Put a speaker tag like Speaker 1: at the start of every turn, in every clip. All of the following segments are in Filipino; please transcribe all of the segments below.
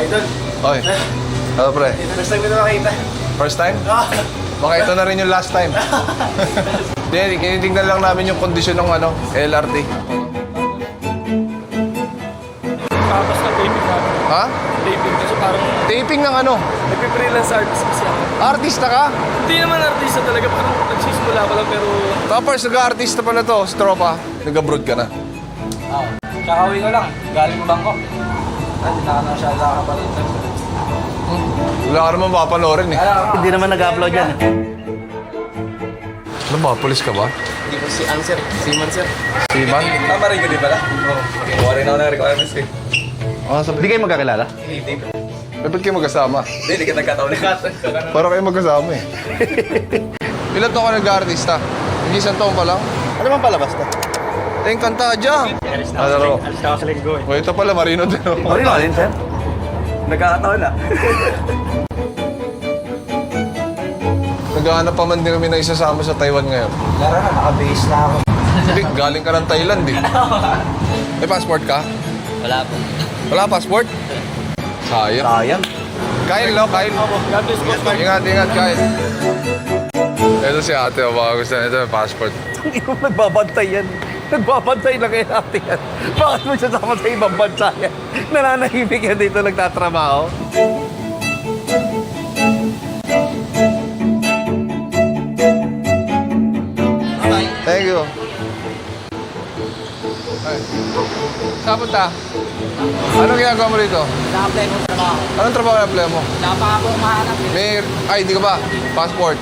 Speaker 1: Idol.
Speaker 2: Oy. Ano pre?
Speaker 1: First time ko na makita.
Speaker 2: First time? Baka ito na rin yung last time. Hindi, kinitignan lang namin yung kondisyon ng LRT.
Speaker 1: Tapos na taping namin.
Speaker 2: Ha?
Speaker 1: Taping kasi parang
Speaker 2: Taping ng ano?
Speaker 1: nagpe-freelance artist kasi ako.
Speaker 2: Artista ka?
Speaker 1: Hindi naman artista talaga, parang nagsisimula ko lang pero...
Speaker 2: Tapos nag-artista pala to, si tropa. Nag-abroad ka na.
Speaker 1: Oo. Kakauwi ko lang, galing Bangkok. Hindi na ka na siya nakakapalit.
Speaker 2: Wala ka naman papanoorin eh.
Speaker 3: Hindi naman nag-upload yan.
Speaker 2: Ano ba? Pulis ka ba?
Speaker 1: Hindi ko si Answer, Seaman sir.
Speaker 2: Seaman?
Speaker 1: Tama rin ko din pala? Oo. Okay, kuha rin ako ng requirements eh.
Speaker 2: Ah, sabi.
Speaker 3: Hindi kayo magkakilala?
Speaker 1: Hindi.
Speaker 2: Ba't kayo magkasama?
Speaker 1: Hindi ka nagkataon.
Speaker 2: Para kayo magkasama eh. Ilan taon ka nag-artista? Hindi isang taon pa lang?
Speaker 3: Ano bang palabas to?
Speaker 2: Teng kanta dyan. Ano?
Speaker 1: Alis na ako sa linggo eh.
Speaker 2: O ito pala, Marino din.
Speaker 3: Sorry na din, sir.
Speaker 1: Nagkakataon na.
Speaker 2: Naghahanap pa man din kami na isasama sa Taiwan ngayon.
Speaker 1: Lara na, naka-base na ako.
Speaker 2: Hindi, galing ka ng Thailand eh. May passport ka?
Speaker 1: Wala po.
Speaker 2: Wala passport? Sayang.
Speaker 3: Sayang.
Speaker 2: Kyle, no? Kyle.
Speaker 1: God bless you.
Speaker 2: Ingat, ingat, Kyle. Ito si ate, baka gusto na ito, may passport.
Speaker 3: Hindi mo nagbabantay yan. Nagbabantay lang kay ate yan. Bakit mo siya sama sa ibang bansa yan? Nananahimik yan dito nagtatrabaho.
Speaker 2: Thank you. Ay. Saan punta? Anong ginagawa mo rito?
Speaker 1: Na-apply mo trabaho.
Speaker 2: Anong trabaho na apply mo?
Speaker 1: Wala pa ako mahanap eh.
Speaker 2: May ID ka ba? Passport?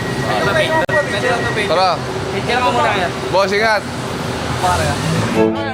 Speaker 1: Pwede lang to, pwede.
Speaker 2: Tara.
Speaker 1: Pwede lang mo muna yan.
Speaker 2: Boss, ingat.
Speaker 1: Para.